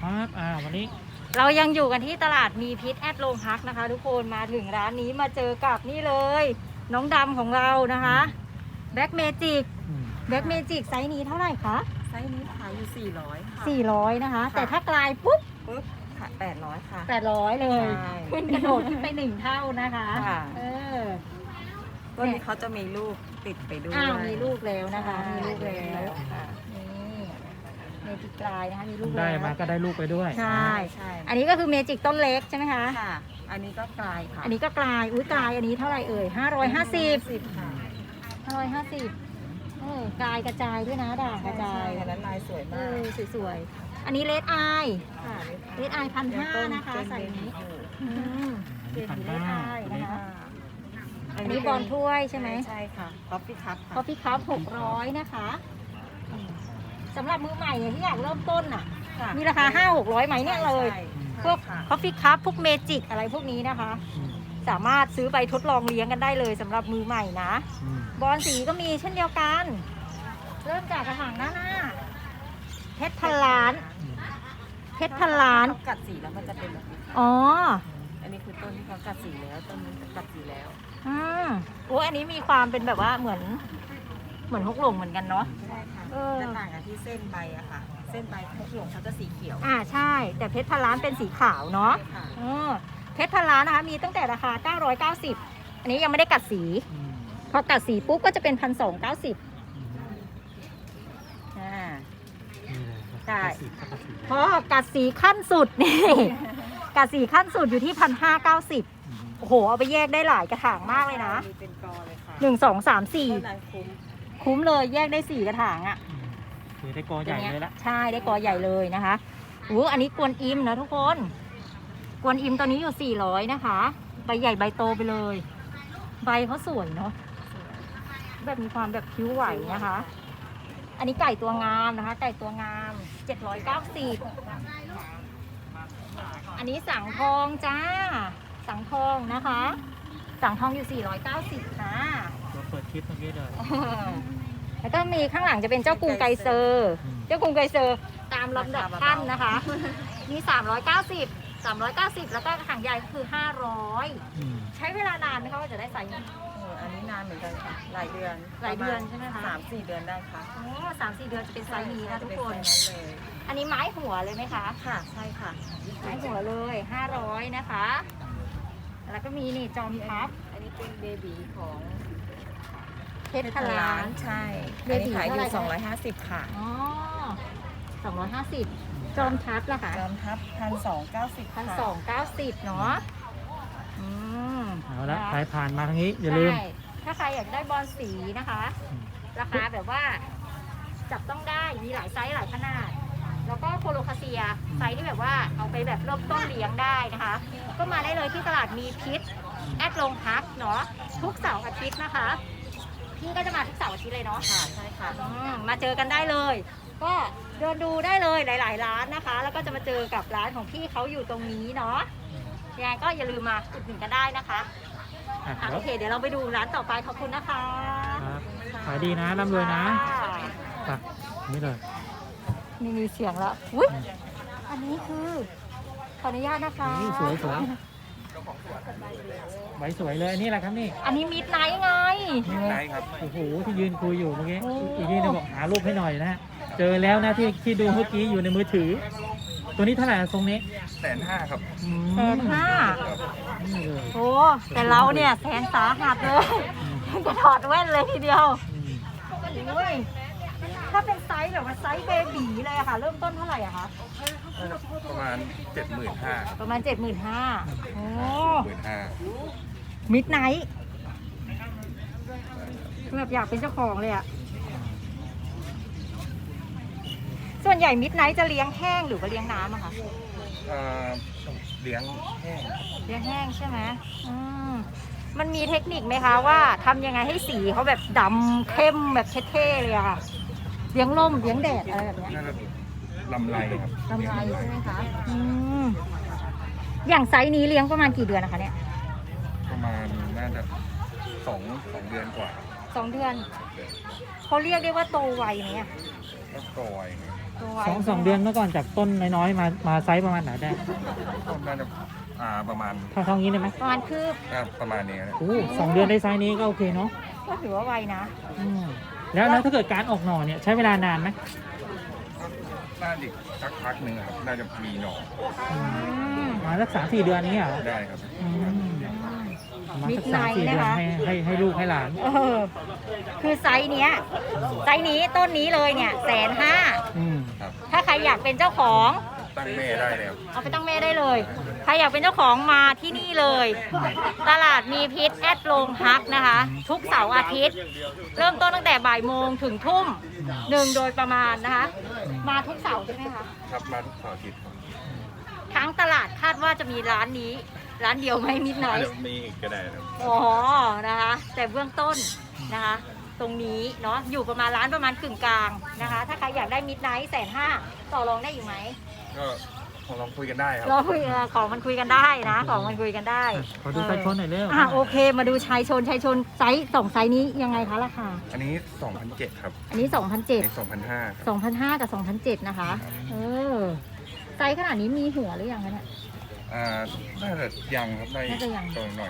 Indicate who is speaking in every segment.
Speaker 1: ครับวันนี้
Speaker 2: เรายังอยู่กันที่ตลาดมีพิษแอดโรงพักนะคะทุกคนมาถึงร้านนี้มาเจอกับนี่เลย น้องดำของเรานะคะแบ็กเมจิกไซส์นี้เท่าไหร่คะ
Speaker 3: ไซส์นี้ขายอยู่400ค่ะ
Speaker 2: 400นะคะแต่ถ้ากลายปุ๊บ
Speaker 3: ขาย800ค่ะ
Speaker 2: 800เลย
Speaker 3: ใช่
Speaker 2: ขึ้นกระโดดขึ้นไป1 เท่านะคะ
Speaker 3: ต้นนี้เขาจะมีลูกติดไปด้วย
Speaker 2: มีลูกแล้วนะคะมีลูกแล้วนี่เมจิกกลายนะคะมีลูก
Speaker 1: ได้มาก็ได้ลูกไปด้วย
Speaker 2: ใช่อันนี้ก็คือเมจิกต้นเล็กใช่ไหมคะ
Speaker 3: ค่ะอันนี้ก็กลายค่ะ
Speaker 2: อันนี้ก็กลายกลายอันนี้เท่าไหร่เอ่ย550
Speaker 3: ค่ะ
Speaker 2: 550กลายกระจายด้วยนะด่างกระจาย
Speaker 3: อันนั้นลายสวยมาก
Speaker 2: สวยๆอันนี้เลดไอ
Speaker 3: ค่ะ
Speaker 2: เลดไอ1,500นะคะใส่นี้เป็นเลดไอนะคะอันนี้บอลถ้วยใช่ไหม
Speaker 3: ใช่ค่ะคอฟฟี่
Speaker 2: คัพ600นะคะสำหรับมือใหม่ที่อยากเริ่มต้นมีราคา500-600ไหมเนี่ยเลยพวกคอฟฟี่คัพพวกเมจิกอะไรพวกนี้นะคะสามารถซื้อไปทดลองเลี้ยงกันได้เลยสำหรับมือใหม่นะบอลสีก็มีเช่นเดียวกันเริ่มจากกระถางหน้าเพชรพันล้าน
Speaker 3: กัดสีแล้วมันจะเป็นแบบนี้อันนี้คือต้นที่เขากัดสีแล้วต้นนี้กัดสีแล้ว
Speaker 2: อันนี้มีความเป็นแบบว่าเหมือนฮกหลงเหมือนกันเนาะ
Speaker 3: ใช่ค่ะจะต่างกันที่เส้นใบอะค่ะเส้นใบฮกหลงเขาจะสีเขียว
Speaker 2: ใช่แต่เพชรพันล้านเป็นสีขาวเนาะเพชรพันล้านนะคะมีตั้งแต่ราคา990อันนี้ยังไม่ได้กัดสีพอกัดสีปุ๊บก็จะเป็น1,290ใช่พอกัดสีขั้นสุดนี่กัดสีขั้นสุดอยู่ที่1,590โอ้โหเอาไปแยกได้หลายกระถางมากเลยนะ
Speaker 3: เป็นกอเลยค่ะ
Speaker 2: 1 2 3 4คุ้มเลยแยกได้4กระถาง
Speaker 1: คือได้กอใหญ่เลยละ
Speaker 2: ใช่ได้กอใหญ่เลยนะคะอันนี้กวนอิมนะทุกคนกวนอิมตัวนี้อยู่400นะคะใบใหญ่ใบโตไปเลยใบเขาสวยเนาะแบบมีความแบบคิ้วไหวนะคะอันนี้ไก่ตัวงามนะคะไก่ตัวงาม790อันนี้สังทองจ้าสังทองนะคะสังทองอยู่490ค่ะ
Speaker 1: เราเปิดคลิปเมื่อกี้เลย
Speaker 2: แล้วก็มีข้างหลังจะเป็นเจ้ากรุงไกเซอร์ตามลำดับขั้นนะคะมี390แล้วก็กระถางใหญ่ก็คือ500ใช้เวลานานไหมคะว่าจะได้ไซส์
Speaker 3: อันนี้นานเหมือนกันค่ะหลายเดือน
Speaker 2: ใช่ไหมคะ
Speaker 3: 3-4 เดือนได้ค่ะ
Speaker 2: 3-4 เดือนจะเป็นไซส์นี้นะทุกคนอันนี้ไม้หัวเลยไหมคะ
Speaker 3: ค่ะใช่ค่ะ
Speaker 2: ไม้หัวเลย500นะคะแล้วก็มีนี่จอมทัพ
Speaker 3: อันนี้เป็นเบบีของ
Speaker 2: เพชรพันล้าน
Speaker 3: ใช่เบบีขายอยู่250ค่ะ
Speaker 2: 250จอมทัพล่ะคะ
Speaker 3: จอมทัพ
Speaker 2: 1,290เนาะ
Speaker 1: เอาละใครผ่านมาทางนี้อย่าลืม
Speaker 2: ถ้าใครอยากได้บอลสีนะคะราคาแบบว่าจับต้องได้มีหลายไซส์หลายขนาดแล้วก็โคโลคาเซียไซส์ที่แบบว่าเอาไปแบบเริ่มต้นเลี้ยงได้นะคะก็มาได้เลยที่ตลาดมีพิษแอดโรงพักเนาะทุกเสาร์อาทิตย์นะคะพี่ก็จะมาทุกเสาร์อาทิตย์เลยเนาะ
Speaker 3: ค่ะใช่ค่ะ
Speaker 2: มาเจอกันได้เลยก็เดินดูได้เลยหลายๆร้านนะคะแล้วก็จะมาเจอกับร้านของพี่เขาอยู่ตรงนี้เนาะยังไงก็อย่าลืมมาอุดหนุนกันได้นะคะโอเคเดี๋ยวเราไปดูร้านต่อไปขอบคุณนะคะ
Speaker 1: ขายดีนะร่ำรวยนะนี่เลย
Speaker 2: มีเสียงแล้วอันนี้คือขออนุญาตนะคะ
Speaker 1: สวยใบสวยเลยนี่แหละครับนี่
Speaker 2: อันนี้มิดไนท์ไง
Speaker 1: มิดไนท์ครับโอ้โหที่ยืนคุยอยู่เมื่อกี้อีกทีนึงบอกหารูปให้หน่อยนะเจอแล้วนะที่ดูเมื่อกี้อยู่ในมือถือตัวนี้เท่าไหร่ทรงนี้
Speaker 4: 150,000ครับ
Speaker 2: 150,000โอ้แต่เราเนี่ยแสนสาหัสเลยจะถอดแว่นเลยทีเดียวถ้าเป็นไซส์แบบว่าไซส์เบบีเลยค่ะเริ่มต้นเท่าไหร่อะคะ
Speaker 4: ประมาณ 75,000
Speaker 2: ประมาณ 75,000โอ้
Speaker 4: 15,000
Speaker 2: มิดไนท์แบบอยากเป็นเจ้าของเลยอะส่วนใหญ่มิดไนท์จะเลี้ยงแห้งหรือว่าเลี้ยงน้ำอะคะ
Speaker 4: เลี้ยง
Speaker 2: แห้งใช่ไหมมันมีเทคนิคไหมคะว่าทำยังไงให้สีเขาแบบดำเข้มแบบเท่ๆเลยอะค่ะเลี้ยงลมเลี้ยงแดดอะไรแบบนี้
Speaker 4: ลำไรครับ
Speaker 2: ลำไรใช่ไหมคะอย่างไซส์นี้เลี้ยงประมาณกี่เดือนนะคะเนี่ย
Speaker 4: ประมาณน่าจะ2 เดือนกว่า
Speaker 2: 2 เดือนเขาเรียกได้ว่าโตไวไหม
Speaker 4: ก็โตไว
Speaker 2: ตัวไว
Speaker 1: สองเดือนเมื่อก่อนจากต้นน้อยๆมาไซส์ประมาณไหนได้
Speaker 4: ต้นน่าจะประมาณ
Speaker 1: เท่านี้ได้ไหม
Speaker 2: ประมาณคืบ
Speaker 4: ประมาณนี้นะ
Speaker 1: โอ้2 เดือนได้ไซส์นี้ก็โอเคเนาะ
Speaker 2: ก็ถือว่าไวนะ
Speaker 1: อืมแล้วถ้าเกิดการออกหน่อเนี่ยใช้เวลานานไหม
Speaker 4: น่าจะสักพักหนึ่งครับน่าจะมีหน่อ
Speaker 2: อืม
Speaker 1: มาสัก3-4 เดือนนี้เหรอ
Speaker 4: ได้ครับ
Speaker 1: อืมประมาณสัก
Speaker 2: Midnight
Speaker 1: 3-4 เดือน
Speaker 2: นะคะ
Speaker 1: ให้ลูกให้หลาน
Speaker 2: คือไซส์นี้ต้นนี้เลยเนี่ย150,000
Speaker 1: อืม
Speaker 4: ครับ
Speaker 2: ถ้าใครอยากเป็นเจ้าของ
Speaker 4: ตั้งแม่ได้แล้ว
Speaker 2: เอาไปตั้งแม่ได้เลย ใครอยากเป็นเจ้าของมาที่นี่เลย ตลาดมีพิษแอดโรงพักนะคะ ทุกเสาร์อาทิตย์ เริ่มต้นตั้งแต่บ่ายโมงถึงทุ่มหนึ่งโดยประมาณนะคะ มาทุกเสาร์ใช่ไหมคะ
Speaker 4: ครับมาทุกเสาร์อาทิตย์ครับ
Speaker 2: ทั้งตลาดคาดว่าจะมีร้านนี้ ร้านเดียวไหมมิดไน
Speaker 4: เดี๋
Speaker 2: ท์
Speaker 4: ยวมีอีกก็ได้ครับ
Speaker 2: อ๋อนะคะ แต่เบื้องต้นนะคะ ตรงนี้เนาะอยู่ประมาณร้านประมาณกึ่งกลางนะคะ ถ้าใครอยากได้มิดไนท์150,000ต่อรองได้อยู่ไหม
Speaker 4: ก็ลองคุยกันได้ครับ
Speaker 2: เราคุยของมันคุยกันได้นะ ของมันคุยกันได้
Speaker 1: ขอดูไซส์ชนหน่อยเร็ว
Speaker 2: โอเค มาดูชายชนไซส์2ไซส์นี้ยังไงคะราคา
Speaker 4: อันนี้ 2,700 ครับ
Speaker 2: อันนี้
Speaker 4: อัน
Speaker 2: 2,007
Speaker 4: นี้ 2,500 ครับ
Speaker 2: 2,500 กับ 2,007 นะคะ ไซส์ขนาดนี้มีหัวหรือยังคะเนี่ย
Speaker 4: น่าจะยังครับได้
Speaker 2: น่าจะยัง
Speaker 4: ตัวหน่อย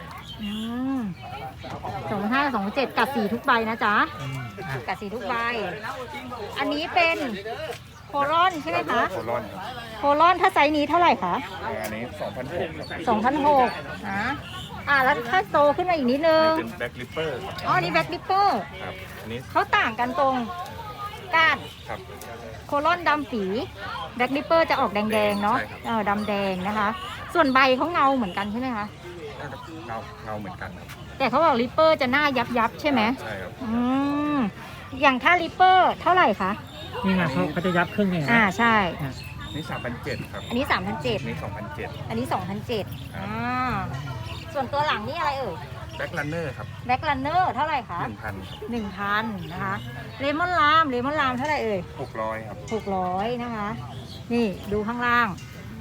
Speaker 2: 2,500 กับ 2,007กัดสีทุกใบนะจ๊ะ
Speaker 1: อืมอ่ะ
Speaker 2: กัดสีทุกใบ อันนี้เป็นโคลอนใช่ไหมคะ
Speaker 4: โคลอนครับ
Speaker 2: โคลอนถ้าไซส์นี้เท่าไหร่คะ
Speaker 4: อันนี้ 2,600 ครับ
Speaker 2: 2,600นะแล้วถ้าโตขึ้นมาอีกนิดนึง
Speaker 4: เป็นแบ็คลิปเปอร์ครับ
Speaker 2: อ๋อ นี่แบ็คลิปเปอร์
Speaker 4: ครับอันนี้
Speaker 2: เขาต่างกันตรงก้าน
Speaker 4: ครับ
Speaker 2: โคลอนดำปีแบ็คลิปเปอร์จะออกแดงๆเนาะ
Speaker 4: ใช่ครับ
Speaker 2: ดำแดงนะคะ ส่วนใบเขาเงาเหมือนกันใช่ไหมคะ
Speaker 4: น่าจะเงาเหมือนกันครับ
Speaker 2: แต่เขาบอกลิปเปอร์จะหน้ายับใช่ไหม
Speaker 4: ใช่ครับ
Speaker 2: อย่างถ้าลิปเปอร์เท่าไหร่คะ
Speaker 1: นี่ไงเขาจะยับครึ่งเองนะ
Speaker 2: ใช่
Speaker 1: อ่ะ
Speaker 4: อันนี้ 3,700 ครับ
Speaker 2: อันนี้
Speaker 4: อั
Speaker 2: 3,700
Speaker 4: นนี้ 2,700
Speaker 2: อันนี้ 2,700ส่วนตัวหลังนี่อะไรเอ่ย
Speaker 4: แบ็คลันเนอร์ครับ
Speaker 2: แบ็คลันเนอร์เท่าไหร่คะ
Speaker 4: 1,000 ครับ
Speaker 2: 1,000 นะคะเลมอนลามเท่าไหร่เอ่ย
Speaker 4: 600 ครับ
Speaker 2: 600 นะคะ นี่ดูข้างล่าง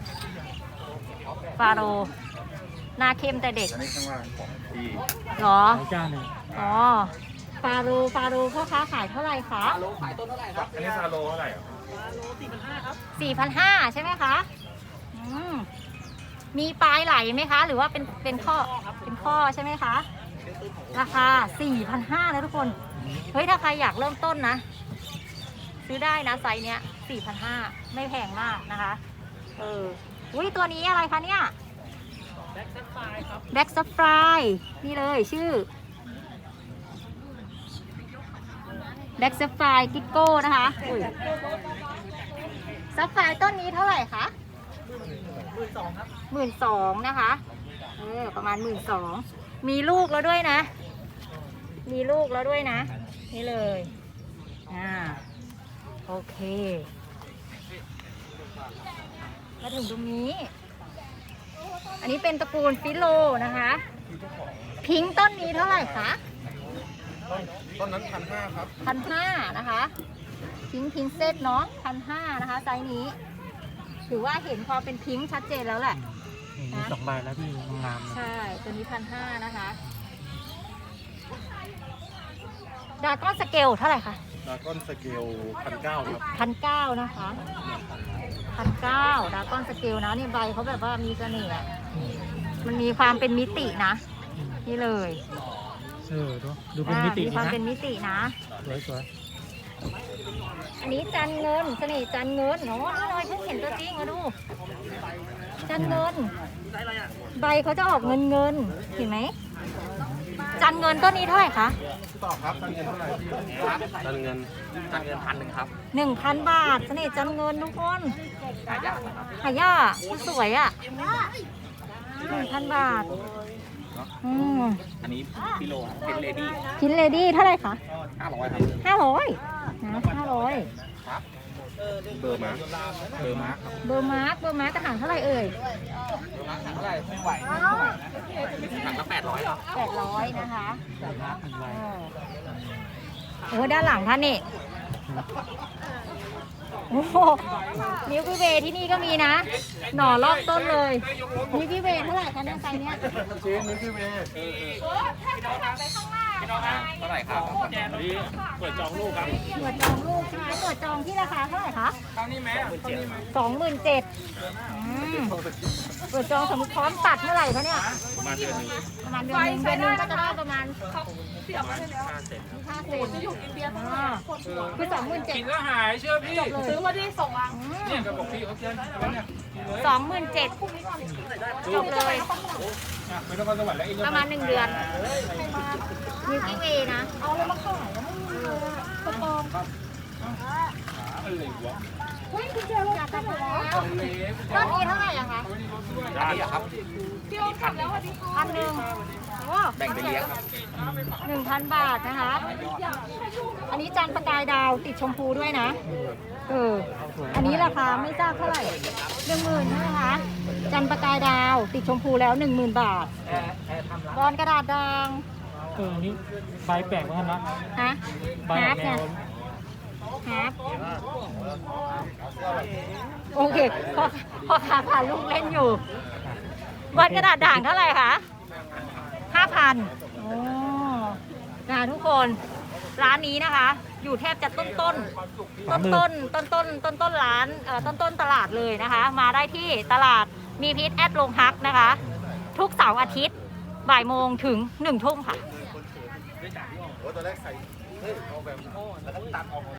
Speaker 2: ฟาโรห์หน้าเข้มแต่เด็ก
Speaker 4: อันนี้ข้างล่างของที่
Speaker 2: เหรอ
Speaker 1: ขอเจ้าหนึ่ง
Speaker 2: อ๋อ ฟาโรห์พ่อค้าขายเท่าไหร่คะ
Speaker 4: อันนี้ซาโลเท่าไหร่ครับ
Speaker 2: 4,500 ใช่ไหมคะมีปลายไหลไหมคะ หรือว่าเป็นข้อเป็นข้อใช่ไหมคะ ราคา 4,500 นะทุกคน เฮ้ย ถ้าใครอยากเริ่มต้นนะ ซื้อได้นะไซส์เนี้ย 4,500 ไม่แพงมากนะคะอุ้ยตัวนี้อะไรคะเนี่ย แบ็กซัฟไฟครับ แบ็กซัฟไฟนี่เลยชื่อ แบ็กซัฟไฟกิโก้นะคะอุ้ยซัฟไฟต้นนี้เท่าไหร่คะ 12,000 ครับ 12,000 นะคะ ประมาณ 12,000 มีลูกแล้วด้วยนะ มีลูกแล้วด้วยนะ นี่เลย โอเค มาถึงตรงนี้ อันนี้เป็นตระกูลฟิโลนะคะ พิงค์ต้นนี้เท่าไหร่คะ
Speaker 4: ต้นนั้น 1,500 ครับ
Speaker 2: 1,500 นะคะ พิงค์เซตเนาะ 1,500 นะคะไซส์นี้ ถือว่าเห็นความเป็นพิงค์ชัดเจนแล้วแหละ
Speaker 1: มี2 ใบแล้วที่งามนะ
Speaker 2: ใช่ ตัวนี้ 1,500 นะคะ ดราก้อนสเกลเท่าไหร่คะ
Speaker 4: ดราก้อนสเกล 1,900 ครับ
Speaker 2: 1,900 นะคะ 1,900 ดราก้อนสเกลนะนี่ใบเขาแบบว่ามีเสน่ห์อะมันมีความเป็นมิตินะ นี่เลย
Speaker 1: ดูเป็นมิติ
Speaker 2: มีความ
Speaker 1: นะ
Speaker 2: เป็นมิตินะ
Speaker 1: สวย
Speaker 2: อันนี้จันเงินเสน่ห์จันเงินเนาะอะไรเพิ่งเห็นตัวจริงมาดู จันเงิน ใบเขาจะออกเงินเห็นไหม จันเงินต้นนี้เท่าไหร่คะ
Speaker 4: ตอบครับตั้งเงินเท่าไหร่พี่ตั้งเงิน1,000 ครับ
Speaker 2: 1,000 บาทเสน่ห์จันเงินทุกคนหายากสวยอ่ะ 1,000 บาท
Speaker 4: อันนี้กิโลครับเป็นเลดี้
Speaker 2: พินเลดี้เท่าไหร่คะ
Speaker 4: 500 ครับ
Speaker 2: 500นะ500
Speaker 4: เบอร์มาร์คเบอร์มาร์คครับ
Speaker 2: เบอร์มาร์กกระถางเท่าไหร่เอ่ย
Speaker 4: เท่าไหร่ไม่ไหวถังละ800 ครับ
Speaker 2: 800 นะคะ
Speaker 1: ๆ
Speaker 2: โอ้ด้านหลังท่านนี่ โอ้โหมิลกี้เวย์ที่นี่ก็มีนะ หน่อรอบต้นเลยมิลกี้เวย์เท่าไหร่คะเนี่ยไซส์เนี้ย
Speaker 4: ชิ้นนี้คือเว
Speaker 2: ถ้าเราหันไปข้างหน้า
Speaker 4: เท่าไหร่ครับ
Speaker 1: เปิดจองลูกครับ
Speaker 2: เปิดจองลูกใช่ไหมเปิดจองที่ราคาเท่าไหร่คะ 27,000เปิดจองสมมติพร้อมตัดเมื่อไหร่คะเนี่ย
Speaker 1: ประมาณเดือนหนึง
Speaker 2: ประมาณเดือนหนึงก็จะได้ประมาณ
Speaker 1: 5 เซน
Speaker 2: 5 เซนจะอยู่อินเดียคือ27,000
Speaker 1: กินแล้วหายเชื่อพี่
Speaker 2: ซื้อมาที่ส่งอ่ะ
Speaker 1: เนี่ยก็บอกพี่เขาเชิญเนี่ย
Speaker 2: 27,000จบเลย
Speaker 1: ไม่ต้องมาสวรรค์แล้วเอง
Speaker 2: ประมาณ1 เดือนมิลกี้เวย์นะ เอาแล้วมาขายแล้วไม่มีเลยกระปอง
Speaker 1: อะไรวะ
Speaker 2: เฮ้ยคุณเจออยากได้แล้วต้นนี้เท่าไหร่อะคะ
Speaker 4: อันนี้ครับ
Speaker 2: 1,000โอ้
Speaker 4: แบ่งไปเลี้ยงครับ
Speaker 2: 1,000 บาทนะคะ อันนี้จันทร์ประกายดาวติดชมพูด้วยนะ อันนี้ราคาไม่ทราบเท่าไหร่ 10,000ใช่ไหมคะ จันทร์ประกายดาวติดชมพูแล้ว 10,000 บาทบอลกระดาษด่าง
Speaker 1: นี่ใบแปลกเหมือนกันนะ
Speaker 2: ฮะ
Speaker 1: ใบ
Speaker 2: ฮา
Speaker 1: แบ
Speaker 2: ร์
Speaker 1: บ
Speaker 2: ป
Speaker 1: แน
Speaker 2: เนี่
Speaker 1: วย
Speaker 2: ฮาร์ปโอเคพอค้าผ่านลูกเล่นอยู่บอลกระดาษด่างเท่าไหร่คะ 5,000โอ้นะทุกคนร้านนี้นะคะ อยู่แทบจะต้นร้านต้นตลาดเลยนะคะ มาได้ที่ตลาดมีพิษแอดโรงฮักนะคะ ทุกเสาร์อาทิตย์บ่ายโมงถึง1 ทุ่มค่ะ